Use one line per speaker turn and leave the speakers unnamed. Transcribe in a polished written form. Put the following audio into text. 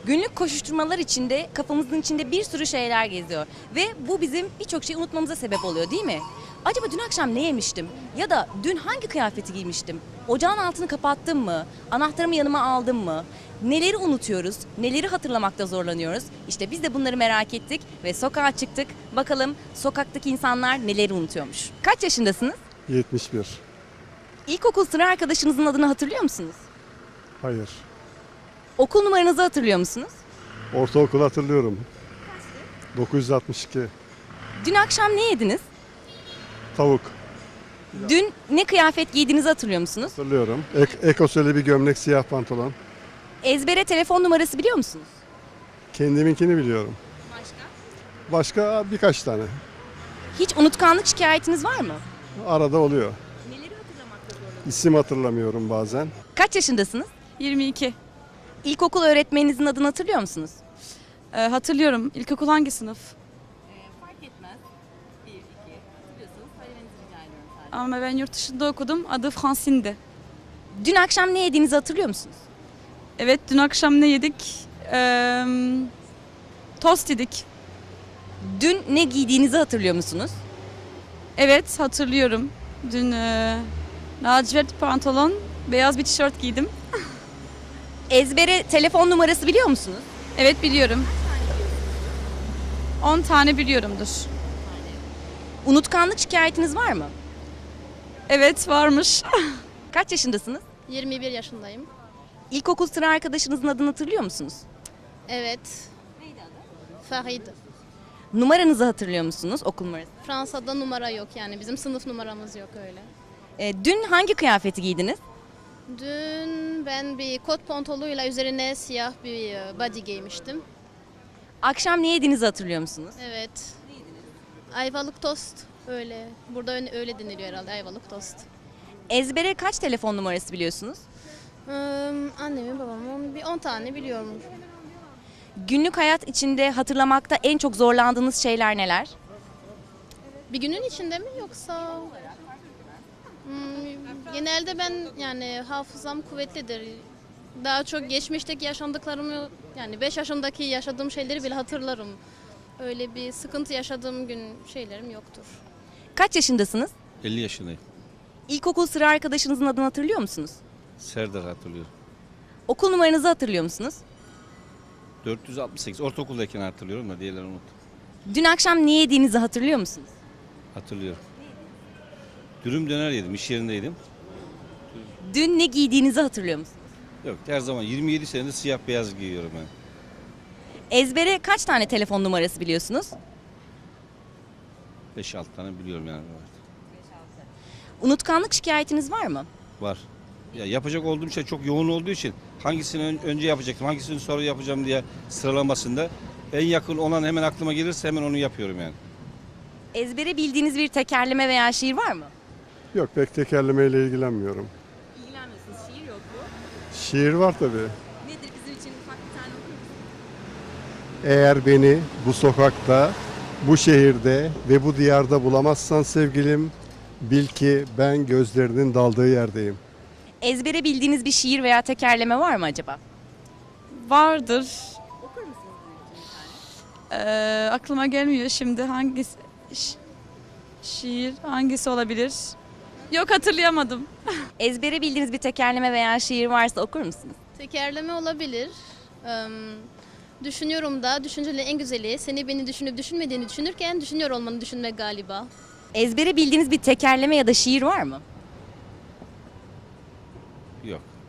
Günlük koşuşturmalar içinde kafamızın içinde bir sürü şeyler geziyor. Ve bu bizim birçok şeyi unutmamıza sebep oluyor değil mi? Acaba dün akşam ne yemiştim? Ya da dün hangi kıyafeti giymiştim? Ocağın altını kapattım mı? Anahtarımı yanıma aldım mı? Neleri unutuyoruz? Neleri hatırlamakta zorlanıyoruz? İşte biz de bunları merak ettik ve sokağa çıktık. Bakalım sokaktaki insanlar neleri unutuyormuş? Kaç yaşındasınız?
71.
İlkokul sıra arkadaşınızın adını hatırlıyor musunuz?
Hayır.
Okul numaranızı hatırlıyor musunuz?
Ortaokul hatırlıyorum. 962.
Dün akşam ne yediniz?
Tavuk
Dün ne kıyafet giydiğinizi hatırlıyor musunuz?
hatırlıyorum. Ekoseli bir gömlek, siyah pantolon.
Ezbere telefon numarası biliyor musunuz?
Kendiminkini biliyorum. Başka birkaç tane.
Hiç unutkanlık şikayetiniz var mı?
Arada oluyor.
Neleri hatırlamakta zorlanıyorsunuz?
İsim hatırlamıyorum bazen.
Kaç yaşındasınız?
22.
İlkokul öğretmeninizin adını hatırlıyor musunuz?
Hatırlıyorum. İlkokul hangi sınıf?
Fark etmez. 1, 2. Hatırlıyorsanız söylemenizi rica ediyorum sadece.
Ama ben yurt dışında okudum. Adı Francine'di.
Dün akşam ne yediğinizi hatırlıyor musunuz?
Evet, dün akşam ne yedik? Tost yedik.
Dün ne giydiğinizi hatırlıyor musunuz?
Evet, hatırlıyorum. Dün lacivert pantolon, beyaz bir tişört giydim.
Ezbere telefon numarası biliyor musunuz?
Evet, biliyorum. 10 tane biliyorumdur.
Unutkanlık şikayetiniz var mı?
Evet, varmış.
Kaç yaşındasınız?
21 yaşındayım.
İlkokul sıra arkadaşınızın adını hatırlıyor musunuz?
Evet. Farid.
Numaranızı hatırlıyor musunuz? Okul numarası.
Fransa'da numara yok yani bizim sınıf numaramız yok öyle.
Dün hangi kıyafeti giydiniz?
Dün ben bir kot pantolonuyla üzerine siyah bir body giymiştim.
Akşam ne yediğinizi hatırlıyor musunuz?
Evet. Ayvalık tost öyle. Burada öyle deniliyor herhalde ayvalık tost.
Ezbere kaç telefon numarası biliyorsunuz?
Annemin babamın bir 10 tane biliyorum.
Günlük hayat içinde hatırlamakta en çok zorlandığınız şeyler neler?
Bir günün içinde mi yoksa? Genelde ben yani hafızam kuvvetlidir. Daha çok geçmişteki yaşandıklarımı yani 5 yaşındaki yaşadığım şeyleri bile hatırlarım. Öyle bir sıkıntı yaşadığım gün şeylerim yoktur.
Kaç yaşındasınız?
50 yaşındayım.
İlkokul sıra arkadaşınızın adını hatırlıyor musunuz?
Serdar hatırlıyorum.
Okul numaranızı hatırlıyor musunuz?
468. Ortaokuldayken hatırlıyorum da diğerlerini unuttum.
Dün akşam ne yediğinizi hatırlıyor musunuz?
Hatırlıyorum. Dürüm döner yedim. İş yerindeydim.
Dün ne giydiğinizi hatırlıyor musunuz?
Yok, her zaman 27 senedir siyah beyaz giyiyorum ben.
Ezbere kaç tane telefon numarası biliyorsunuz?
5-6 tane biliyorum yani. Evet.
Unutkanlık şikayetiniz var mı?
Var. Ya yapacak olduğum şey çok yoğun olduğu için hangisini önce yapacaktım, hangisini sonra yapacağım diye sıralamasında en yakın olan hemen aklıma gelirse hemen onu yapıyorum yani.
Ezbere bildiğiniz bir tekerleme veya şiir var mı?
Yok, pek tekerlemeyle ilgilenmiyorum.
İlgilenmiyorsunuz. Şiir yok bu.
Şiir var tabii.
Nedir bizim için ufak bir tane okur musunuz?
Eğer beni bu sokakta, bu şehirde ve bu diyarda bulamazsan sevgilim, bil ki ben gözlerinin daldığı yerdeyim.
Ezbere bildiğiniz bir şiir veya tekerleme var mı acaba?
Vardır. Aklıma gelmiyor şimdi hangisi şiir hangisi olabilir? Yok, hatırlayamadım.
Ezbere bildiğiniz bir tekerleme veya şiir varsa okur musunuz?
Tekerleme olabilir. Düşünüyorum da düşüncelerin en güzeli seni beni düşünüp düşünmediğini düşünürken düşünüyor olmanı düşünmek galiba.
Ezbere bildiğiniz bir tekerleme ya da şiir var mı?
Yok.